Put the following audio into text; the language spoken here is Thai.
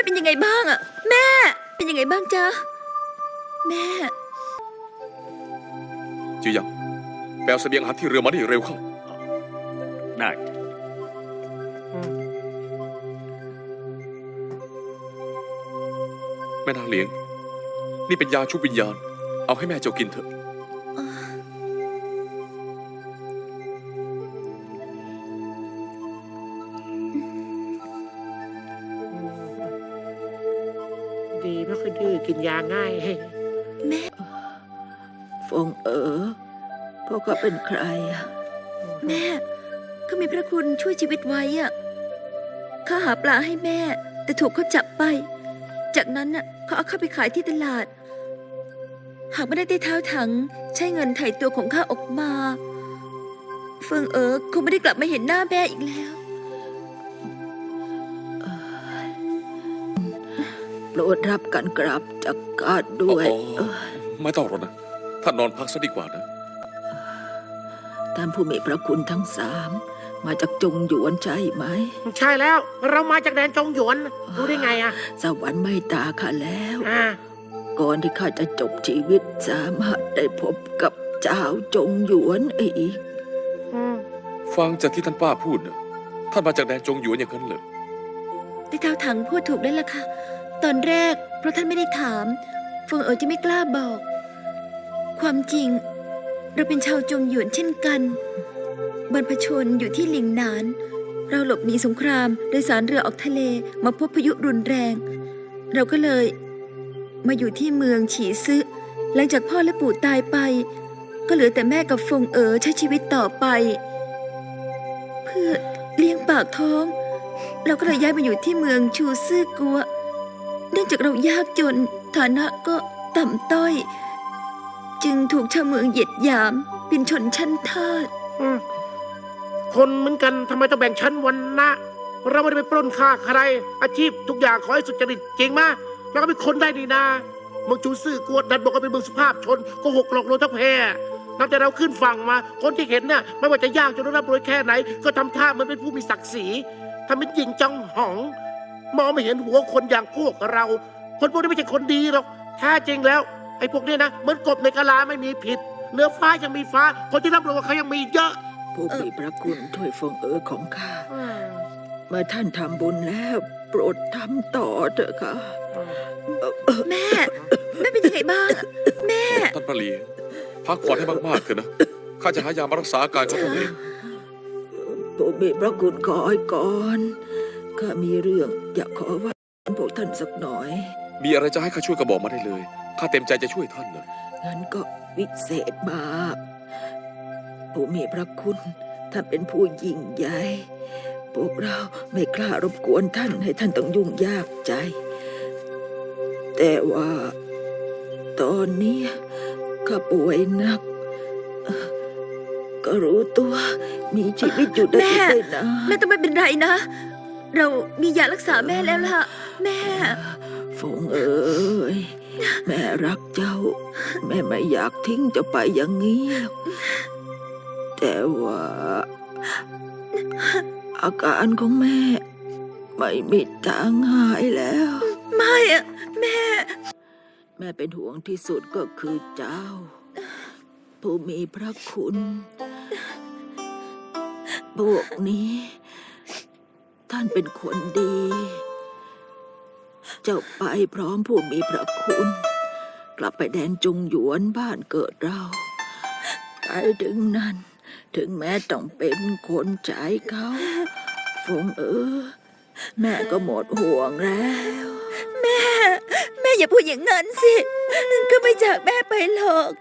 เป็นยังไงบ้างอะแม่เป็นยังไงบ้างจ๊ะแม่จือหยางแปลเสบียงอาหารที่เรือมาได้เร็วเข้าได้แม่นางเหลียงนี่เป็นยาชุบวิญญาณเอาให้แม่เจ้ากินเถอะดีไม่ค่อยดื้อกินยาง่ายแม่ฟงพวกเขาเป็นใครอะแม่เขามีพระคุณช่วยชีวิตไว้อะข้าหาปลาให้แม่แต่ถูกเขาจับไปจากนั้นน่ะเขาเอาข้าไปขายที่ตลาดหากไม่ได้เท้าถังใช้เงินไถ่ตัวของข้าออกมาเฟิงคงไม่ได้กลับมาเห็นหน้าแม่อีกแล้วโปรดรับการกราบจากกาดด้วยไม่ต้องหรอกนะท่านนอนพักซะดีกว่านะท่านผู้มีพระคุณทั้งสามมาจากจงหยวนใช่ไหมใช่แล้วเรามาจากแดนจงหยวนรู้ได้ไงอะสวรรค์ไม่ตาข้าแล้วก่อนที่ข้าจะจบชีวิตสามารถได้พบกับเจ้าจงหยวนอีกฟังจากที่ท่านป้าพูดนะท่านมาจากแดนจงหยวนอย่างนั้นเลยที่เท้าถังพูดถูกแล้วล่ะค่ะตอนแรกเพราะท่านไม่ได้ถามเฟิงจะไม่กล้าบอกความจริงเราเป็นชาวจงหยวนเช่นกันบรรพชนอยู่ที่หลิงหนานเราหลบหนีสงครามโดยสารเรือออกทะเลมาพบพายุรุนแรงเราก็เลยมาอยู่ที่เมืองฉีซึหลังจากพ่อและปู่ตายไปก็เหลือแต่แม่กับฟงใช้ชีวิตต่อไปเพื่อเลี้ยงปากท้องเราก็เลยย้ายมาอยู่ที่เมืองชูซื่อกัวเนื่องจากเรายากจนฐานะก็ต่ำต้อยจึงถูกชาวเมืองเหยียดหยามเป็นชนชั้นทาสคนเหมือนกันทำไมต้องแบ่งชั้นวรรณะเราไม่ได้ไปปล้นฆ่าใครอาชีพทุกอย่างขอให้สุจริตจริงมากแล้วก็เป็นคนได้ดีนาเมืองชูซื่อกวดดันบอกว่าเป็นเมืองสุภาพชนก็หกหลอกลวงทั้งแพร่นับแต่เราขึ้นฝั่งมาคนที่เห็นเนี่ยไม่ว่าจะยากจนร่ำรวยแค่ไหนก็ทำท่าเหมือนเป็นผู้มีศักดิ์ศรีทำเป็นหญิงจังหองมองไม่เห็นหัวคนอย่างพวกเราคนพวกนี้ไม่ใช่คนดีหรอกแท้จริงแล้วไอ้พวกนี้นะเหมือนกบในกะลาไม่มีผิดเนื้อฟ้ายังมีฟ้าคนที่รับรองว่าเขายังมีเยอะผู้มีพระคุณช่วยฟงของข้าเมื่อท่านทำบุญแล้วโปรดทำต่อเถอะค่ะแม่เป็นยังไงบ้างแม่ท่านประลีพักผ่อนให้มากๆเถอะนะข้าจะหายามารักษาอาการของท่านเองผู้มีพระคุณขอให้ก่อนข้ามีเรื่องอยากขอว่าพวกท่านสักหน่อยมีอะไรจะให้ข้าช่วยก็บอกมาได้เลยข้าเต็มใจจะช่วยท่านนะงั้นก็วิเศษมากผู้มีพระคุณท่านเป็นผู้ยิ่งใหญ่พวกเราไม่กล้ารบกวนท่านให้ท่านต้องยุ่งยากใจแต่ว่าตอนนี้ข้าป่วยหนักก็รู้ตัวมีชีวิตอยู่ได้ไม่นานแม่ต้องไม่เป็นไรนะเรามียารักษาแม่แล้วล่ะแม่ฟงแม่รักเจ้าแม่ไม่อยากทิ้งเจ้าไปอย่างนี้แต่ว่าอาการของแม่ไม่มีทางหายแล้วไม่อะแม่เป็นห่วงที่สุดก็คือเจ้าผู้มีพระคุณพวกนี้ท่านเป็นคนดีเจ้าไปพร้อมผู้มีพระคุณกลับไปแดนจงหยวนบ้านเกิดเราไปถึงนั้นถึงแม้ต้องเป็นคนใจเขาฟงแม่ก็หมดห่วงแล้วแม่อย่าพูดอย่างนั้นสิก็ไม่จากแม่ไปหรอก